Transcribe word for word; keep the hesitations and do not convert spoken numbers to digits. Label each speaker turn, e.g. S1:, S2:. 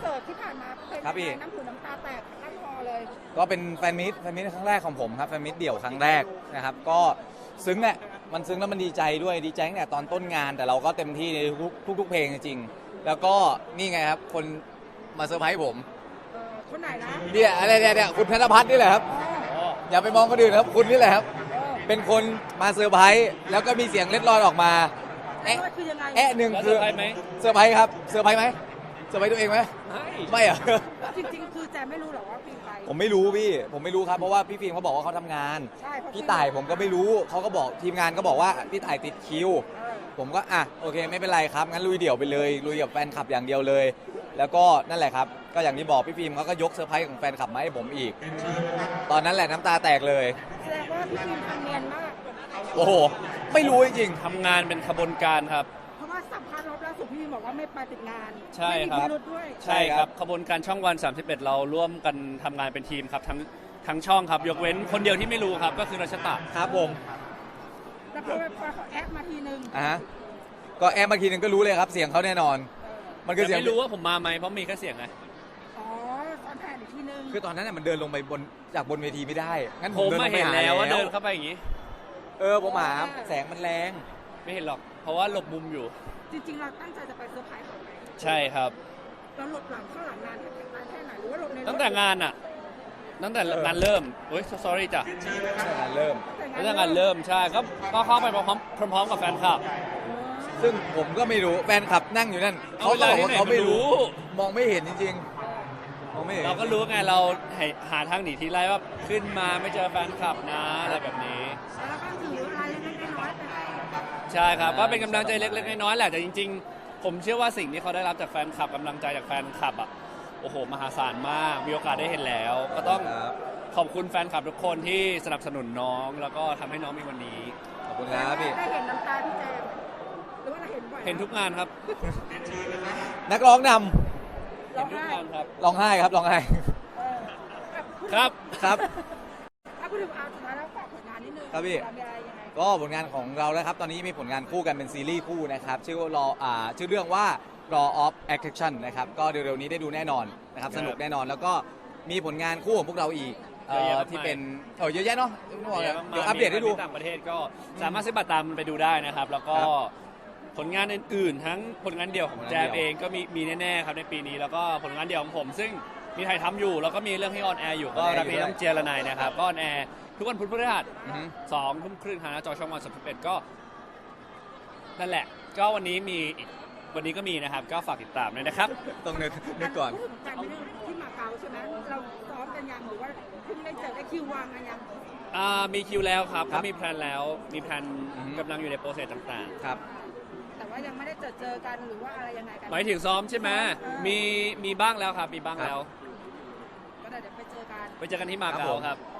S1: สิร์ตที่ผ่านมาเป็น
S2: ครับพี่
S1: น้ำหูน้ำตาแตกทั้งคอเลย
S2: ก็เป็นแฟนมิตแฟนมิตครั้งแรกของผมครับแฟนมิตเดี่ยวครั้งแรกนะครับก็ซึ้งแหละมันซึ้งแล้วมันดีใจด้วยดีใจตั้งแต่ตอนต้นงานแต่เราก็เต็มที่ในทุกทุกๆเพลงจริงๆแล้วก็นี่ไงครับคนมาเซอร์ไพรส์ผม
S1: เออคนไหนนะ
S2: เนี่ยอะไรเนี่ยเนี่ยคุณธนพัฒน์นี่แหละครับ
S1: เออ
S2: อย่าไปมองคนอื่นครับคุณนี่แหละครับ
S1: เออ
S2: เป็นคนมาเซอร์ไพรส์แล้วก็มีเสียงเล็ดลอดออกมา
S1: แล้
S2: แอะ
S1: วคือยังไง
S2: แอะหนึ่ง
S3: แล้ว
S2: คื
S3: เซอ
S2: อ
S3: ร์ไพรส์ไหม
S2: เซอร์ไพรส์ครับเซอร์ไพรส์ไหมเซอร์ไพรส์ตัวเองไหม
S3: ไม่
S2: ไม่เหรอ
S1: จริงๆ คือแจมไม่รู้หรอกว่าพี่ใคร
S2: ผมไม่รู้พี่ผมไม่รู้ครับเพราะว่าพี่ฟิล์มเขาบอกว่าเขาทำงาน
S1: ใช่เพระ
S2: พี่ต่ายผมก็ไม่รู้เขาก็บอกทีมงานก็บอกว่าพี่ต่ายติดคิว
S1: เออ
S2: ผมก็อ่ะโอเคไม่เป็นไรครับงั้นลุยเดี่ยวไปเลยลุยกับแฟนคลับอย่างเดียวเลย แล้วก็นั่นแหละครับก็อย่างที่บอกพี่ฟิล์มเขาก็ยกเซอร์ไพรส์ของแฟนคลับมาให้ผมอีก ตอนนั้นแหละน้ำตาแตกเลย
S1: แสดงว่าพี่ฟิล์มทำเนียนมาก
S2: โอ้โหไม่รู้จริง
S3: ทำงานเป็นขบวนการครับ
S1: เพราะว่าสัมภาษณ์รอบล่าสุดพี่ฟิล์มบอกว่าไม่ไปติดงาน
S3: ใช่ครับ
S1: ไม่มีพิรุธด้วย
S3: ใช่ครับขบวนการช่องวันสามสิบเอ็ดเราร่วมกันทำงานเป็นทีมครับทั้งทั้งช่องครับยกเว้นคนเดียวที่ไม่รู้ครับก็คือรัชตะ
S2: ๆครับผม
S1: แล้วพอพอเขาแอปมาทีนึง
S2: อ่ะฮะก็แอมมาทีนึงก็รู้เลยครับเสียงเขาแน่นอน
S1: เออ
S2: มันคือ
S3: แต่
S2: เสียง
S3: ไม่รู้ว่าผมมาไหมเพราะมีแค่เสียงไง
S1: อ๋อตอนแทนอีกทีนึง
S2: คือตอนนั้นน่ะมันเดินลงไปบนจากบนเวทีไม่ได้งั้นผ
S3: ผม ม
S2: เดินล
S3: ไม่
S2: งไป
S3: เห็น
S2: หา
S3: แล้วว่า
S2: แล้
S3: เดิ
S2: วน
S3: เข้าไปอย่างนี้
S2: เออผมหาแสงมันแรง
S3: ไม่เห็นหรอก เพราะว่าหลบมุมอยู่
S1: จริงๆ เราตั้งใจจะไปเซอร์ไพรส์เขาไหม
S3: ใช่ครับ
S1: เราหลบหลังข้างหลังนานแค่ไหนหรือว่าหลบในรถ
S3: ตั้งแต่งานอ่ะ ตั้งแต่งานเริ่มเฮ้ย sorry จ้ะ
S2: ตั้งแต่งานเริ่ม
S3: ตั้งแต่งานเริ่มใช่ก็ก็เข้าไปพร้อมพร้อมๆกับแฟนคลับ
S2: ซึ่งผมก็ไม่รู้แฟนคลับนั่งอยู่นั่นเขาก็บอกว่าเขาไม่รู้ มองไม่เห็นจริงๆมองไม่เห็น
S3: เราก็รู้ไงเราหาทางหนีทีไล่ว่าขึ้นมาไม่เจอแฟนคลับนะอะไรแบบนี้
S1: แล้วก็ถืออะไรเล็กๆน้อยๆไปให้
S3: ใช่ครับก็เป็นกำลังใจเล็กๆน้อยๆแหละแต่จริงๆ ผมเชื่อว่าสิ่งที่เขาได้รับจากแฟนคลับกำลังใจจากแฟนคลับอ่ะโอ้โหมหาศาลมากมีโอกาสได้เห็นแล้ว ก็ต้อง
S2: ครับ
S3: ขอบคุณแฟนคลับทุกคนที่สนับสนุนน้อง แล้วก็ทำให้น้องมีวันนี้
S2: ขอบคุณครับพี่
S1: ได้เห็นน้ำตาพี่แจมหรือว่าเราเห็นบ่อย
S3: เห็นทุกงานครับ
S2: นักร้องน
S1: ร้
S3: เห็
S1: อน ง
S3: ทุก
S1: ไห้
S3: งานครับ
S2: ำร้องไห้ครับร้องไห้
S1: เออ
S3: ครับ
S2: ครับ
S1: ถ้าพูดถึงเอาสุดท้ายแล้วฝากผลงานนิดนึง
S2: ครับพี่
S1: มีอะไรยังไง
S2: ก็ผลงานของเราแล้วครับตอนนี้มีผลงานคู่กันเป็นซีรีส์คู่นะครับชื่อว่ารออ่าชื่อเรื่องว่า Law of Attraction นะครับก็เร็วๆนี้ได้ดูแน่นอนนะครับสนุกแน่นอนแล้วก็มีผลงานคู่ของพวกเราอีกเอ่อที่เป็นเออเยอะแยะเนาะไม่บอกเลยเดี๋ยวอัปเดตให้ดู
S3: มีต่างประเทศก็สามารถซื้อบัตรตามมันไปดูได้นะครับ แล้วก็
S2: ครับ
S3: ผลงานอื่นๆ ทั้งผลงานเดี่ยวของ
S2: ผลงาน
S3: แจ
S2: เดี่
S3: ม
S2: ยว
S3: เองก็มีมีแน่ๆครับในปีนี้แล้วก็ผลงานเดี่ยวของผม ซึ่งมีถ่ายทำอยู่แล้วก็มีเรื่องที่ออนแอร์อยู่ก็
S2: ออนแอร์
S3: รับ
S2: อยู่
S3: นี้
S2: ด้วย
S3: ต้องเจรนายนะครับก็ออนแอร์ทุกวันพุธพฤหัส
S2: อือฮึ
S3: สองทุ่มครึ่งทางหน้าจอช่องวันสามสิบเอ็ดก็นั่นแหละ ก็วันนี้มีอีกวันนี้ก็มีนะครับ ก็ฝากติดตามด้วยนะครับ
S2: ต้องนึกนึกก่อน
S1: พูดถึงการไปเรื่องที่มาเก๊าใช่ไหมเราซ้อมกันยังหรือว่าเพิ่งได้เจอได้คิววางกันยัง
S3: อ่ามีคิวแล้วครับ
S2: ครั
S3: ก็
S2: บ
S3: มีแพลนแล้วมีแพลน
S2: อือฮึ
S3: กำลังอยู่ในโปรเซสต่างๆ
S2: ครับ
S1: แต่ว่ายังไม่ได้เจอเจอกันหรือว่าอะไรยังไงกัน
S3: หมายถึงซ้อมใช่ไหม
S1: เออ
S3: มีมีบ้างแล้วครับ มีบ้าง
S2: ครับ
S3: แล้ว
S1: ก็เดี๋ยวไปเจอกัน
S3: ไปเจอกันที่มา
S2: ครับ
S3: เก๊า
S2: ผม
S3: ครับ